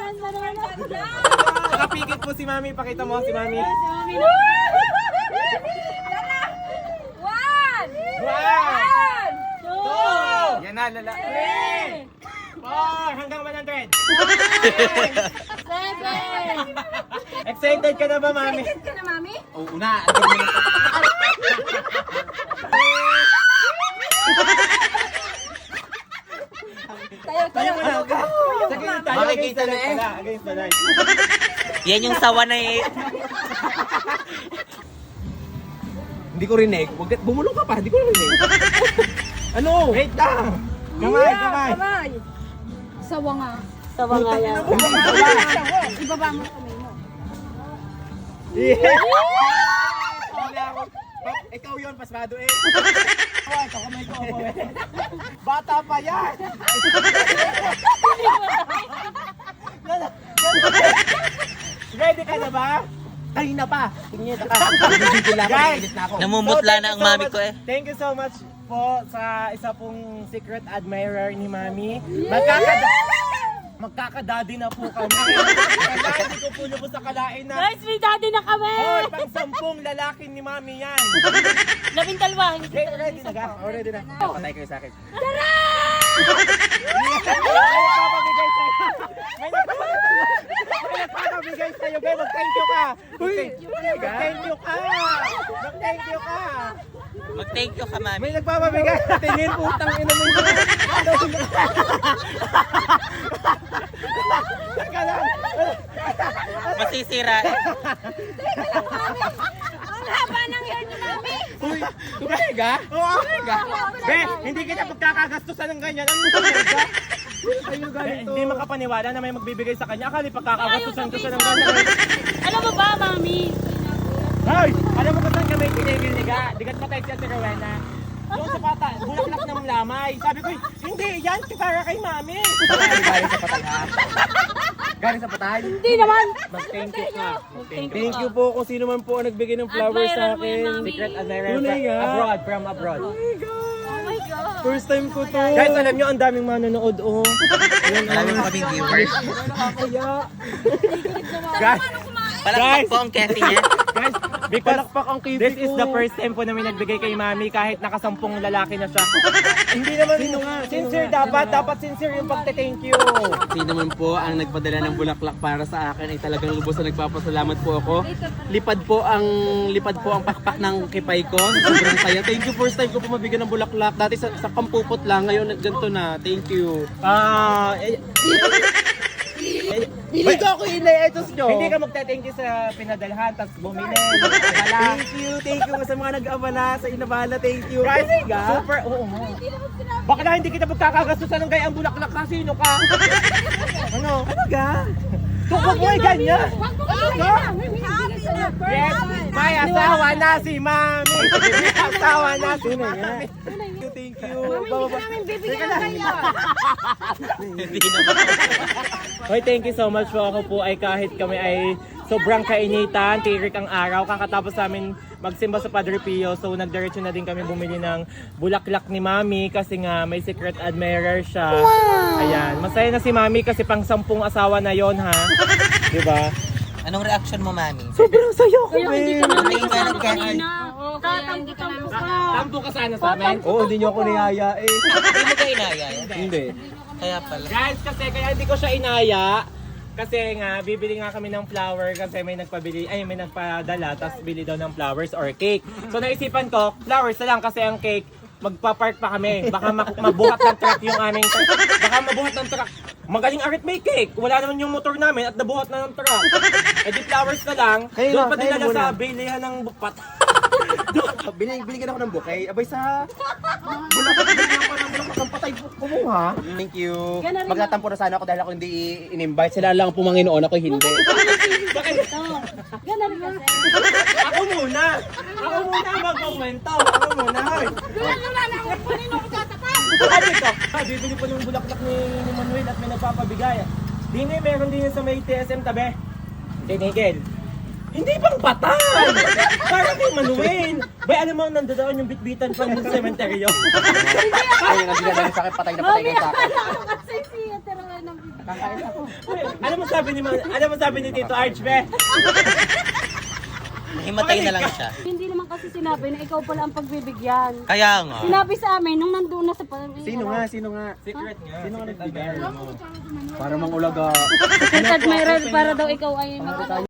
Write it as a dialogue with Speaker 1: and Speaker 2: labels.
Speaker 1: Nakapikit po si Mami. Pakita mo si Mami. One, two, yan na, lala. 3, 4, hanggang 100. Excited ka na ba, Mami?
Speaker 2: Excited ka na, Mami?
Speaker 1: Oo na. Andun mo na. Tayo mo na. Sige, tayo.
Speaker 3: Makikita na eh.
Speaker 1: Against the light.
Speaker 3: Yan yung sawa na eh.
Speaker 1: Hindi ko rinig. Bumulong ka pa. Hindi ko rinig. Ano? Wait lang. Kamay, kamay.
Speaker 2: Sawa nga.
Speaker 3: Sawa nga yan.
Speaker 2: Ibaba mo kamay mo.
Speaker 1: Yeah. Ikaw yun, pasmado eh. Ito, kamay ko ako eh. Bata pa yan. Ready ka na ba? Ay na pa. Tingin ka. Guys,
Speaker 3: Namumutla na ang mami ko eh.
Speaker 1: Thank you so much po sa isa pong secret admirer ni Mami. Magkakadadi na po kami. Kaya hindi ko po lubos sa kalain na.
Speaker 4: Guys, may daddy na kami!
Speaker 1: Hoy, pang 10 lalaki ni Mami yan.
Speaker 4: 12, hindi
Speaker 1: Okay, ready na ga? Oh, ready na. Patay kayo sa akin.
Speaker 4: Tara!
Speaker 1: May nagpapabigay sa'yo. May mag-thank you ka. Mag-thank you ka. Mag-thank you ka.
Speaker 3: Mag-thank you ka, mami.
Speaker 1: May nagpapabigay. Tingin, putang ina mo yun. Teka lang.
Speaker 3: Masisira eh.
Speaker 2: Ang haba ng hair ni Mami.
Speaker 1: Uy, tumahiga? Oo, tumahiga. Be, hindi kita pagkakagastusan ng ganyan. Ano tumahiga? Hindi makapaniwala na may magbibigay sa kanya. Akala pagkakagastusan ko siya ng ganyan.
Speaker 4: Alam mo ba, mami?
Speaker 1: Hoy! Alam mo ba saan kami pinigil-niga? Digat patay siya si Rowena. Doon sa pata, bulaklak ng lamay. Sabi ko, hindi, yan para kay Mami. Galing sa patay ha? Galing sa patay?
Speaker 4: Hindi naman!
Speaker 1: Mag-thank you ka. Thank you po kung sino man po ang nagbigay ng flowers sa
Speaker 4: Admirer mo yan,
Speaker 1: akin.
Speaker 4: Mami.
Speaker 1: Secret admirer from abroad.
Speaker 4: Oh my God!
Speaker 1: First time ko to. Guys, alam nyo, ang daming manonood, oh.
Speaker 3: Marami mo kaming viewers.
Speaker 1: Nakakaya. Guys,
Speaker 3: Palakpak po ang Kathy niya.
Speaker 1: guys, because this is the first time po namin nagbigay kay Mami kahit nakasampung lalaki na siya. Hindi naman, sincere dapat sincere yung pagte-thank you.
Speaker 5: Sino naman po ang nagpadala ng bulaklak para sa akin ay talagang lubos na nagpapasalamat po ako. Lipad po ang pakpak ng kipay ko. Sobrang saya. Thank you, first time ko po mabigyan ng bulaklak. Dati sa kampupot lang, ngayon ganito na. Thank you.
Speaker 1: Hindi ko ako ina-etos nyo. Hindi ka magte-thank you sa pinadalhan, tapos bumili. Thank you sa mga nag-abala, sa inabala, thank you. Guys, super, oo nga. Baka na hindi kita magkakagastusan ng gayang bulaklak ka, sino ka? Ano ga? Huwag mo ganyan. Yes, may asawa na si Mami. May asawa na si Mami. Thank you.
Speaker 2: Mami, hindi ka namin bibigyan ng kaya.
Speaker 3: Hindi naman.
Speaker 1: Hoy, thank you so much po. Ako po ay kahit kami ay sobrang kainitan, tirik ang araw, kakatapos namin magsimba sa Padre Pio. So nagdiretso na din kami bumili ng bulaklak ni Mami kasi nga may secret admirer siya. Wow! Ayan, masaya na si Mami kasi pang 10 asawa na yon ha. Diba?
Speaker 3: Anong reaction mo, mami?
Speaker 1: Sobrang saya ko,
Speaker 4: Kaya hindi ka
Speaker 1: babe.
Speaker 4: namin
Speaker 3: Tingin ka ng Kathy.
Speaker 4: Tatampo-tampo ka.
Speaker 1: Tampo ka sana sa amin? Oo, hindi niyo ako niyaya eh.
Speaker 3: Hindi mo ka inaya.
Speaker 1: Hindi.
Speaker 3: Kaya pala.
Speaker 1: Guys, kasi kaya hindi ko siya inaya. Kasi nga, bibili nga kami ng flower kasi may nagpadala, tapos bili daw ng flowers or cake. So naisipan ko, flowers na lang kasi ang cake, magpa-park pa kami. Baka mabuhat ng truck yung aming baka mabuhat ng truck. Magaling arit may cake. Wala naman yung motor namin at nabuhat na ng truck. Eh di flowers na lang. Doon pa dinala sa bilihan ng bupat.
Speaker 5: Binigyan ako ng bouquet. Abay sa bulaklak ng patay kumuha. Thank you. Magtatampo na sana ako dahil ako hindi in-invite. Sila lang po Panginoon, ako hindi.
Speaker 4: Ganun kasi.
Speaker 1: Ako muna magkukwento. Ako muna. Hoy. Sabi ko, bibili po ng bulaklak ni Manuel at may nagpapabigay. Dini, meron din sa may TSM tabi. Tinigil. Hindi pang patay! Para kay Manuel! Bay, alam mo, nandoon yung bitbitan pang sementeryo.
Speaker 5: Ay, yung nabigyan sa akin, patay na patay ka sa akin.
Speaker 2: Kasi si Ateroy ng bibigyan.
Speaker 1: Alam mo sabi ni Tito Arch, be?
Speaker 3: Himatay na lang siya.
Speaker 4: Hindi naman kasi sinabi na ikaw pala ang pagbibigyan.
Speaker 3: Kaya nga.
Speaker 4: Sinabi sa amin nung nandoon na sa
Speaker 5: Sino nga? Sino nga?
Speaker 1: Secret nga.
Speaker 5: Sino nga nagbigay? Para mang ulaga.
Speaker 4: Secret Mayral para daw ikaw ay